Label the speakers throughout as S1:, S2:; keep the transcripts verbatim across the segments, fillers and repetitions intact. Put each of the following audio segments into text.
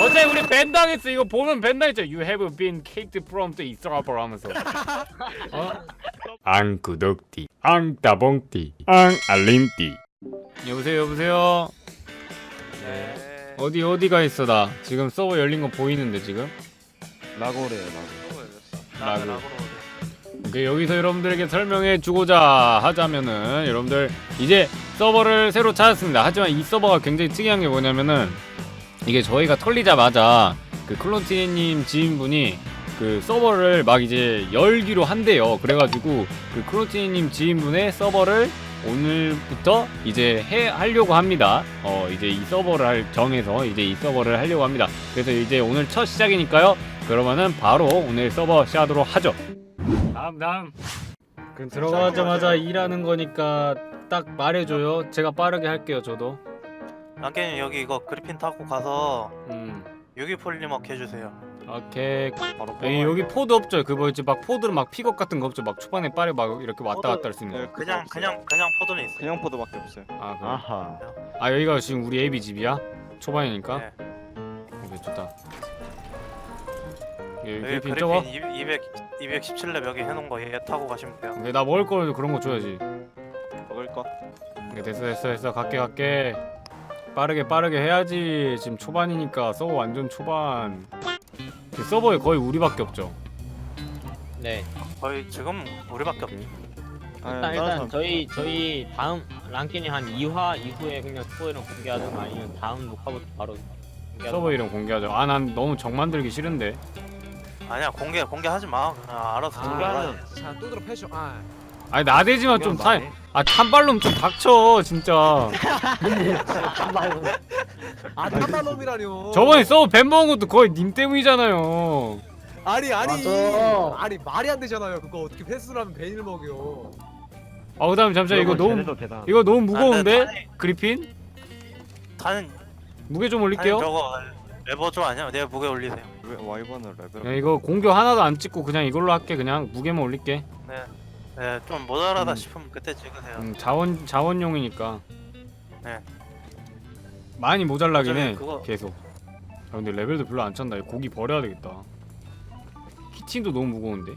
S1: 어차피 우리 밴 당했어. 이거 보면 밴 당했죠. You have been kicked from the server 하면서. 어? 앙 구독띠, 앙 따봉띠, 앙 알림띠. 여보세요, 여보세요.
S2: 네.
S1: 어디 어디가 있어 나? 지금 서버 열린 거 보이는데 지금?
S3: 라고래요 라고.
S2: 나는
S1: 라고.
S2: 라고로
S1: 오케이, 여기서 여러분들에게 설명해 주고자 하자면은 여러분들 이제 서버를 새로 찾았습니다. 하지만 이 서버가 굉장히 특이한 게 뭐냐면은 이게 저희가 털리자마자 그 클론티님 지인분이 그 서버를 막 이제 열기로 한대요. 그래가지고 그 클론티님 지인분의 서버를 오늘부터 이제 해 하려고 합니다. 어 이제 이 서버를 할, 정해서 이제 이 서버를 하려고 합니다. 그래서 이제 오늘 첫 시작이니까요. 그러면은 바로 오늘 서버 시작하도록 하죠. 다음 다음. 그럼 들어가자마자 일하는 거니까 딱 말해줘요. 제가 빠르게 할게요. 저도.
S2: 랑깨님 여기 이거 그리핀 타고 가서
S1: 음.
S2: 유기폴리머 해주세요.
S1: 오케이.
S2: 바로
S1: 에이, 여기 포드 없죠? 그 뭐지 막 포드는 막 픽업 같은 거 없죠? 막 초반에 빠르게 막 이렇게 왔다 갔다 할 수 있는 거.
S2: 그냥 그냥 그냥 포도는 있어요.
S3: 그냥 포도밖에 없어요.
S1: 아 그래.
S3: 아하.
S1: 아 여기가 지금 우리 에이비 집이야? 초반이니까.
S2: 네.
S1: 오케이 좋다. 여기
S2: 여기
S1: 그리핀 저거?
S2: 그리핀 이백 이백십칠 렙 여기 해놓은 거 얘 타고 가시면 돼요.
S1: 오케이, 나 먹을 거 그런 거 줘야지.
S3: 먹을 거.
S1: 오케이, 됐어 됐어 됐어 갈게 갈게. 빠르게 빠르게 해야지. 지금 초반이니까 서버 완전 초반. 그 서버에 거의 우리밖에 없죠.
S4: 네.
S2: 거의 지금 우리밖에 없.
S1: 오케이.
S3: 아,
S4: 일단
S3: 다른
S4: 일단
S3: 사람-
S4: 저희 저희 다음 랑킨이 한 이 화 이후에 그냥 스포일러 공개하든 아니면 다음 녹화부터 바로 공개하든.
S1: 서버 이름 공개하자. 아 난 너무 정 만들기 싫은데.
S2: 아니야 공개 공개하지 마. 그냥 알아서
S4: 아,
S2: 들어가.
S5: 자, 뚜드러 패션. 아,
S1: 아니 나대지만 좀 타. 아 탄발놈 좀 닥쳐 진짜.
S5: 아 탄발놈이라뇨.
S1: 저번에 서버 뱀 먹은 것도 거의 님 때문이잖아요.
S5: 아니 아니
S4: 맞아.
S5: 아니 말이 안 되잖아요. 그거 어떻게 패스를 하면 베인을 먹여?
S1: 아 그다음에 잠시만 이거 너무 이거 너무 무거운데
S2: 아, 네,
S1: 그리핀
S2: 타는
S1: 무게 좀
S2: 타는
S1: 올릴게요.
S2: 저거 레버조 아니야? 내가 무게 올리세요.
S3: 왜 와이번을 레벨?
S1: 야, 이거 공격 하나도 안 찍고 그냥 이걸로 할게. 그냥 무게만 올릴게.
S2: 네. 네, 좀 모자라다
S1: 음.
S2: 싶으면 그때 찍으세요.
S1: 음, 자원 자원용이니까.
S2: 네.
S1: 많이 모자라긴 해.
S2: 어차피 그거-
S1: 계속. 아 근데 레벨도 별로 안 찬다. 이거 고기 버려야 되겠다. 키친도 너무 무거운데.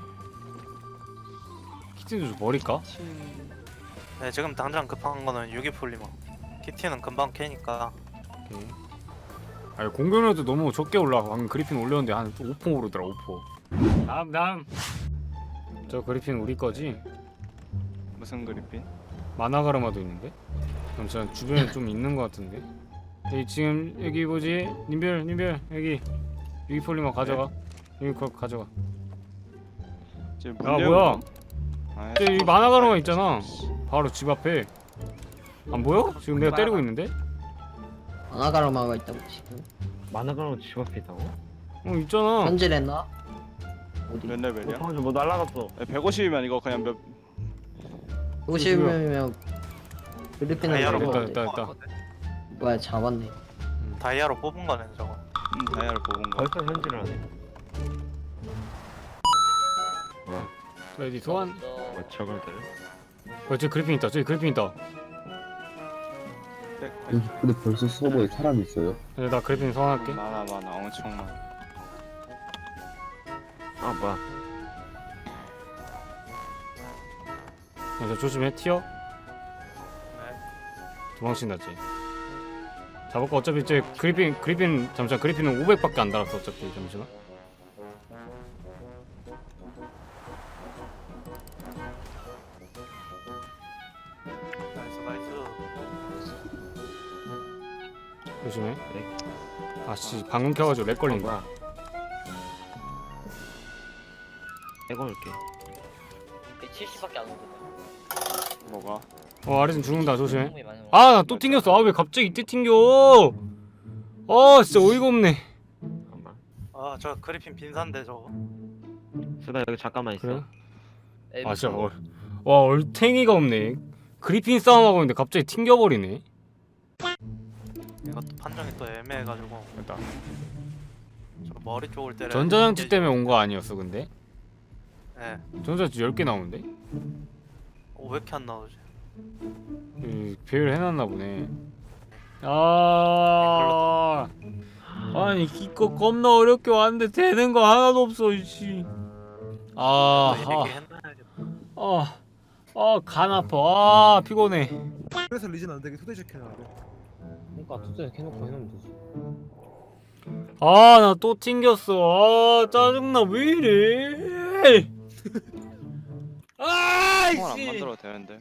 S1: 키친도 좀 버릴까?
S2: 네, 지금 당장 급한 거는 유기폴리머. 키티는 금방 캐니까.
S1: 오케이. 아니 공격력도 너무 적게 올라가. 방금 그리핀 올렸는데 한 오 퍼 오르더라. 오 퍼. 다음 다음. 저 그리핀 우리 거지?
S3: 무슨 그리핀?
S1: 마나가르마도 있는데? 잠시만 주변에 좀 있는 것 같은데? 여기 지금 여기 뭐지? 님별 님별 여기 유기폴리머 가져가. 여기 거 가져가.
S3: 지금
S1: 야 뭐야?
S3: 아,
S1: 저기 여기 마나가르마 있잖아. 바로 집 앞에. 안 보여? 지금 내가 때리고 있는데?
S6: 아나가르마가 있다고 지금
S7: 만화가랑 집 앞에 있다고?
S1: 어 있잖아.
S6: 현질했나? 어디?
S3: 몇 레벨이야?
S7: 어, 뭐 날라갔어.
S3: 백오십이면 이거 그냥 몇
S6: 오십 명이면 필리핀은
S2: 다이아로
S1: 됐다
S6: 먹었는데
S1: 됐다 됐다.
S6: 뭐야 잡았네.
S2: 다이아로 뽑은 거네 저거.
S3: 음, 다이아를 뽑은 거.
S7: 벌써 현질을 하네.
S1: 레디 소환.
S7: 뭐 저걸들.
S1: 어 저기 그리핀 있다. 저기 그리핀 있다.
S3: 네,
S8: 여기 근데 벌써 서버에 사람이 있어요?
S1: 그래, 나 그리핀 소환할게.
S3: 많아 많아 엄청 많아.
S7: 아 뭐야?
S1: 야, 저 조심해. 튀어.
S2: 네.
S1: 도망친다 쟤. 잡을 거 어차피 쟤 그리핀 그리핀 잠시만 그리핀은 오백밖에 안 달았어 어차피. 잠시만.
S2: 나이스 나이스.
S1: 조심해.
S7: 네.
S1: 아씨 방금 켜가지고 렉 걸린
S7: 아,
S1: 거야.
S7: 내가 올게.
S4: 칠십밖에 안 오거든.
S3: 뭐가?
S1: 어 아래진 죽는다. 조심해.
S4: 많이 먹어.
S1: 아 나 또 튕겼어. 아 왜 갑자기 이때 튕겨? 아 진짜 어이가 없네.
S7: 잠깐만.
S2: 아, 저 그리핀 빈산데 저거.
S7: 수다 여기 잠깐만 있어.
S1: 그래?
S4: 네,
S1: 아 진짜 얼, 와 얼탱이가 없네. 그리핀 싸움하고 있는데 갑자기 튕겨버리네.
S2: 이것도 판정이 또 애매해가지고
S1: 됐다.
S2: 저 머리 쪽을 때려.
S1: 전자장치 때문에 온 거 아니었어 근데?
S2: 네.
S1: 전자장치 열 개 나오는데?
S2: 어, 왜 이렇게 안 나오지?
S1: 그 배열 해놨나 보네. 아, 아 아니 이거 겁나 어렵게 왔는데 되는 거 하나도 없어 씨. 아,
S2: 이렇게
S1: 아,
S2: 했나야겠다.
S1: 아, 아, 간 아파. 아, 피곤해.
S5: 그래서 리진 안 되게 토대식 해놔야 돼.
S4: 그러니까 투자 해놓고 해놓으면 되지.
S1: 아, 나 또 튕겼어. 아, 짜증나. 왜 이래? 아,
S3: 총알 안
S1: 씨.
S3: 만들어도 되는데.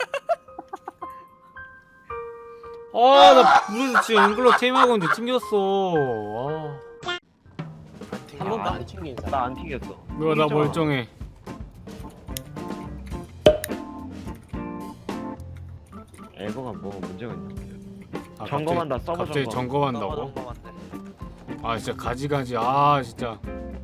S1: 아, 나 그래서 지금 앵글러 테임하고 있는데 튕겼어. 아,
S4: 한 번도 안 튕긴 사람.
S7: 나 안 튀겼어.
S1: 뭐야, 나 멀쩡해.
S7: 에버가 뭐 문제가 있나?
S1: 아,
S7: 점검한다,
S1: 갑자기,
S7: 서버
S1: 갑자기
S7: 점검.
S1: 점검한다고?
S2: 넘어간대.
S1: 아, 진짜 가지가지. 아, 진짜.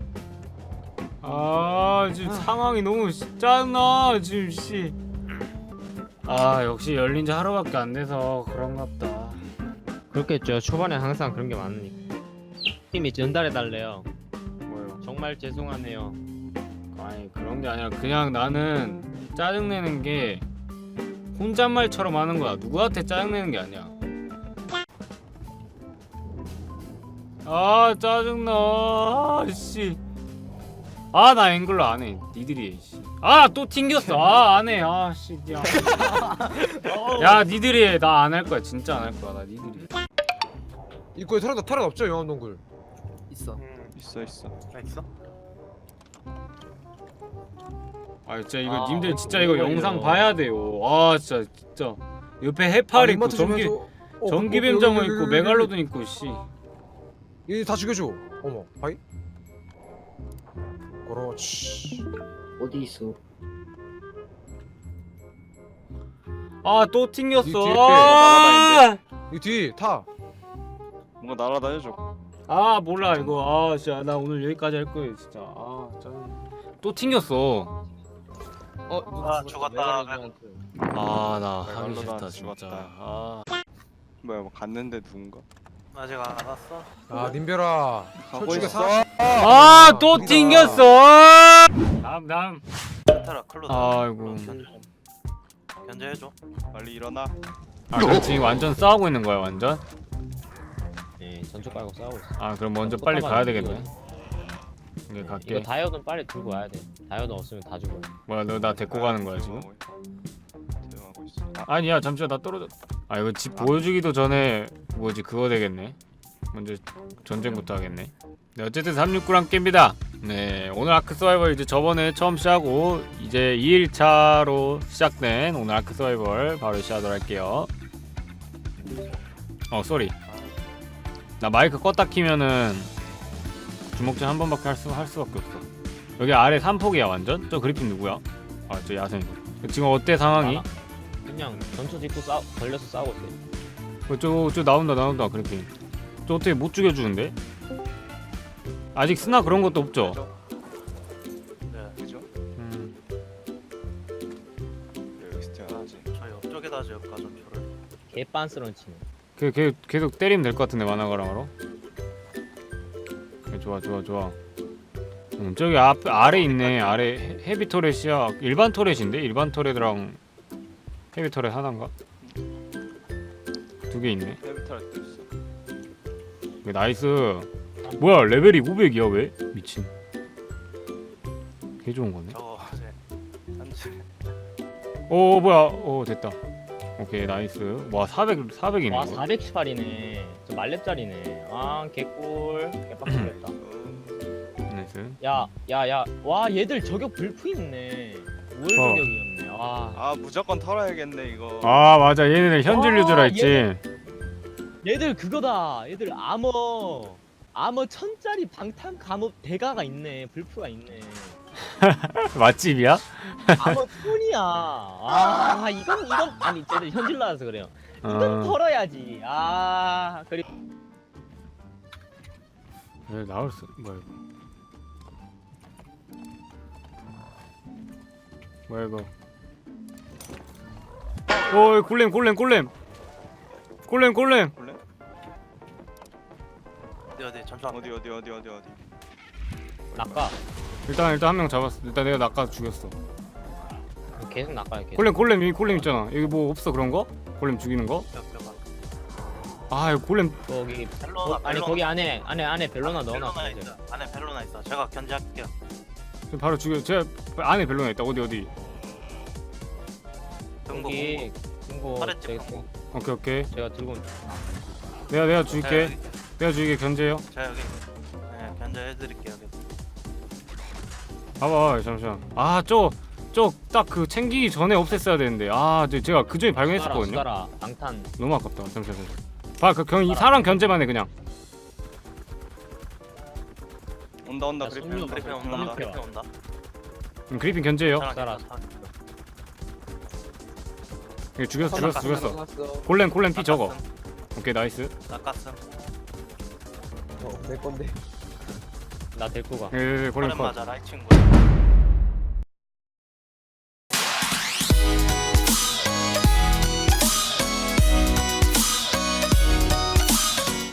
S1: 아, 지금 상황이 너무 씨- 짜증나. 지금 씨. 아, 역시 열린 지 하루밖에 안 돼서 그런가 보다.
S4: 그렇겠죠. 초반에 항상 그런 게 많으니까. 팀이 전달해 달래요.
S1: 뭐요?
S4: 정말 죄송하네요.
S1: 아니, 그런 게 아니라 그냥 나는 짜증내는 게 혼잣말처럼 하는 거야. 누구한테 짜증내는 게 아니야. 아, 짜증나. 아, 씨. 아, 나 앵글러 안 해. 니들이 해, 씨. 아, 또 튕겼어. 아, 안 해. 아, 씨. 야, 야 니들이 해. 나 안 할 거야. 진짜 안 할 거야. 나 니들이 해.
S5: 입구에 털어도 털어 없죠 영암동굴. 있어.
S2: 음,
S3: 있어 있어.
S2: 나 있어?
S1: 아, 진짜 이거
S4: 아,
S1: 님들 진짜
S4: 어이구,
S1: 이거
S4: 어이구.
S1: 영상 봐야 돼요. 아, 진짜 진짜. 옆에 해파리 있고 전기 전기뱀장어 있고 메갈로돈 있고 씨.
S5: 이다 죽여줘. 어머, 바이. 그렇지.
S6: 어디 있어?
S1: 아, 또
S5: 이
S1: 튕겼어.
S5: 뒤에
S1: 아,
S5: 이 뒤 타.
S3: 뭔가 날아다녀줘.
S1: 아, 몰라 이거. 아, 진짜 나 오늘 여기까지 할 거예요, 진짜. 아, 짜증. 또 튕겼어.
S5: 어,
S2: 아 죽었다.
S1: 아, 나 하기
S3: 메갈로돈
S1: 싫다 진짜.
S3: 죽었다.
S1: 아,
S3: 뭐야 뭐 갔는데 누군가?
S2: 아직 안 왔어?
S5: 아 님별아.
S3: 가고
S5: 솔직히
S3: 있어.
S5: 사-
S1: 아, 또
S5: 우리가-
S1: 튕겼어. 다음 다음.
S2: 테라 클로드.
S1: 아이고.
S2: 견제해줘.
S3: 빨리 일어나.
S1: 아, 그럼 지금 완전 싸우고 있는 거야, 완전?
S4: 네, 전초 깔고 싸우고 있어.
S1: 아, 그럼 먼저 빨리 가야 되겠네. 이게 갈게.
S4: 이거 다이어드는 빨리 들고 와야 돼. 다이어드 없으면 다 죽어.
S1: 뭐야, 너 나 데리고 가는 거야 지금?
S3: 대응하고 있어. 아,
S1: 아니야, 잠시만 나 떨어져. 아, 이거 집 보여주기도 전에 뭐지 그거 되겠네. 먼저 전쟁부터 하겠네. 네, 어쨌든 삼육구랑 깹니다. 네, 오늘 아크 서바이벌 이제 저번에 처음 시작하고 이제 이 일차로 시작된 오늘 아크 서바이벌 바로 시작하도록 할게요. 어, 쏘리. 나 마이크 껐다 키면은 주먹질 한 번밖에 할, 수, 할 수밖에 없어. 여기 아래 삼폭이야 완전? 저 그리핀 누구야? 아, 저 야생이고. 지금 어때 상황이?
S4: 아, 그냥 전초 짓고 싸 걸려서 싸우고 있어.
S1: 어, 저, 저 나온다 나온다 그리핀. 저 어떻게 못 죽여주는데? 아직 스나 그런 것도 없죠?
S2: 네.
S3: 그죠?
S1: 음.
S3: 왜 여기서 태어나지?
S2: 저 옆쪽에다 지을까 전초를.
S4: 개빤스런 치네.
S1: 걔, 걔 계속 때리면 될 것 같은데 만화가랑으로. 네, 좋아 좋아 좋아. 음, 저기 앞 아래 있네. 아래 헤- 헤비 터렛이야. 일반 터렛인데? 일반 터렛이랑 헤비 터렛 하나인가? 두 개 있네.
S3: 헤비탈 때 있어.
S1: 왜 나이스. 뭐야 레벨이 오백이야 왜? 미친. 개 좋은 거네.
S2: 저거 이제 현재
S1: 오 뭐야. 오 됐다. 오케이 나이스. 와 사백 사백이네.
S4: 와 사백십팔이네. 저 말렙짜리네. 아 개꿀. 개빡치겠다.
S1: 나이스.
S4: 야, 야, 야. 와 얘들 저격 불프 있네. 우월
S1: 어.
S4: 저격이었네. 와.
S3: 아 무조건 털어야겠네 이거.
S1: 아 맞아 얘네들 현질
S4: 와,
S1: 유저라 했지.
S4: 얘들 그거다. 얘들 아머. 아머 천짜리 방탄 감옥 대가가 있네. 불프가 있네.
S1: 맛집이야?
S4: 아머 톤이야. 아 이건 이건 아니 쟤들 현질 나와서 그래요. 이건
S1: 어.
S4: 털어야지. 아 그리고
S1: 왜 나올 수 뭐야 이거? 뭐야 이거? 오 골렘 골렘 골렘 골렘 골렘.
S3: 볼래?
S2: 어디 어디 전초 안
S3: 어디 어디 어디 어디 어디.
S4: 낚아.
S1: 일단 일단 한 명 잡았어. 일단 내가 낚아 죽였어.
S4: 계속 낚아요. 계속.
S1: 골렘 골렘 여기 골렘 있잖아. 여기 뭐 없어 그런 거? 골렘 죽이는 거?
S2: 뼈뼈가.
S1: 아 이거 골렘
S4: 거기
S2: 벨로나,
S4: 거, 아니
S2: 벨로나.
S4: 거기 안에 안에 안에 벨로나 넣어놨어.
S2: 벨로나 있어. 안에 벨로나 있어. 제가 견제할게요.
S1: 바로 죽여. 제가 안에 벨로나 있다. 어디 어디.
S2: 금고
S4: 거기
S2: 금고.
S4: 금고
S2: 파랬지,
S4: 제가,
S2: 금고.
S1: 오케이 오케이.
S4: 제가 들고 온-
S1: 내가 내가
S2: 제가
S1: 죽일게.
S2: 여기,
S1: 내가 죽이게 견제요.
S2: 제가 여기. 네, 견제해드릴게요. 여기.
S1: 봐봐 잠시만. 아저저 딱 그 챙기기 전에 없앴어야 되는데. 아 저- 제가 그 전에 발견했었거든요.
S4: 수다라 방탄.
S1: 너무 아깝다. 잠시만 잠시만. 봐그 그냥 이 사람 견제만 해 그냥.
S3: 온다 온다
S4: 야,
S3: 그리핀
S4: 손님,
S3: 온다
S2: 그리핀
S3: 그리핀
S2: 온다.
S3: 온다.
S2: 그리핀 온다.
S1: 음, 그리핀 견제요.
S2: 사람
S4: 따라.
S2: 괜찮다.
S1: 이거 죽였어 죽였어 죽였어.
S5: 죽였어.
S1: 골렘 골렘 피 적어.
S2: 낚았음.
S1: 오케이 나이스.
S2: 낚았음.
S5: 어, 내 건데.
S4: 나 데리고 가.
S1: 예, 예, 예, 골렘
S2: 파렌
S1: 컷.
S2: 맞아라 이 친구.